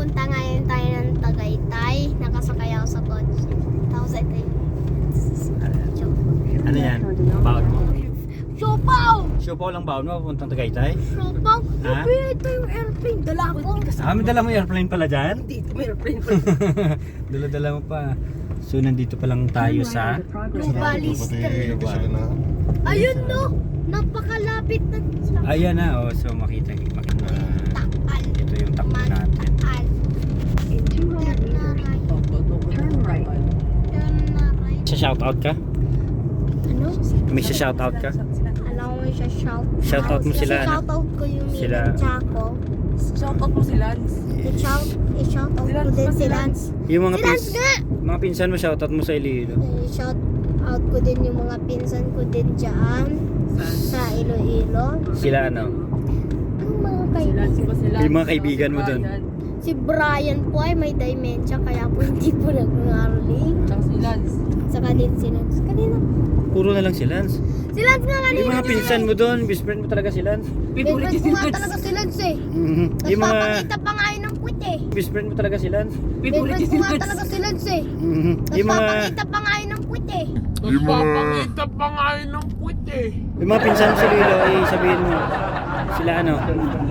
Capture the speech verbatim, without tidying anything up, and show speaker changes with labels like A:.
A: Pupunta ngayon tayo ng Tagaytay. Nakasakay ako sa kotse. Tapos ito yung...
B: Ano yan? Baon mo?
A: Siopaw!
B: Siopaw lang baon mo, pupuntang Tagaytay?
A: Siopaw?
B: Ha?
A: Sabi, ito yung airplane. Dala ko.
B: Ah, may dala mo airplane pala dyan?
C: Dito may airplane pa.
B: Dala-dala mo pa. So, nandito pa lang tayo sa...
A: Nubali Street. Ayun no! Napakalapit na.
B: Ayan na, oh. So, makita, makita.
A: Takal.
B: Ito yung takbo natin.
A: Takal.
D: In two hundred
A: Turn na
D: meters,
A: right.
D: turn right.
A: Turn na right.
B: Sa shoutout ka?
A: Ano?
B: May sa shoutout ka?
A: Alam ko siya shout.
B: Shoutout mo sila, ano?
A: Shoutout ko yung
B: Sila.
A: Mila Chaco.
C: Shoutout mo si Lance.
A: I-shout, i-shoutout
C: Si
A: ko
C: Lance
A: din
C: ba,
A: si
C: si
A: Lance.
B: Yung mga
A: Si Lance
B: pins,
A: nga!
B: mga pinsan mo, shoutout mo sa Iloilo.
A: I-shout out ko din yung mga pinsan ko din dyan sa Iloilo.
B: Sila ano?
A: Ang mga
C: Si Lance
A: kaibigan.
C: ba si Lance?
B: Yung mga kaibigan mo dun.
C: Brian.
A: Si Brian po ay may dementia kaya po hindi po nag-enrolling.
C: Tsaka si Lance.
A: Saka din si Lance. Kanina.
B: Puro na lang si Lance.
A: Si Lance nga kanina.
B: Yung mga pinsan mo doon, best friend mo talaga si Lance.
C: Favorite
A: Favorite
C: si
A: ko nga
C: Lance.
A: talaga si Lance eh.
B: Mhm.
A: Tapos
B: Yung mga
A: papakita pa nga yun ng puwit eh.
B: best friend mo talaga si Lance.
C: Favorite
A: Favorite
C: si
A: ko nga
C: Lance.
A: talaga si Lance eh.
B: Mhm.
A: Tapos
B: Yung mga
A: papakita pa nga yun ng puwit eh.
E: Magpapakita pa nga yun ng puwit eh.
B: yung mga pinsan mo sa Iloilo ay sabihin mo sila ano?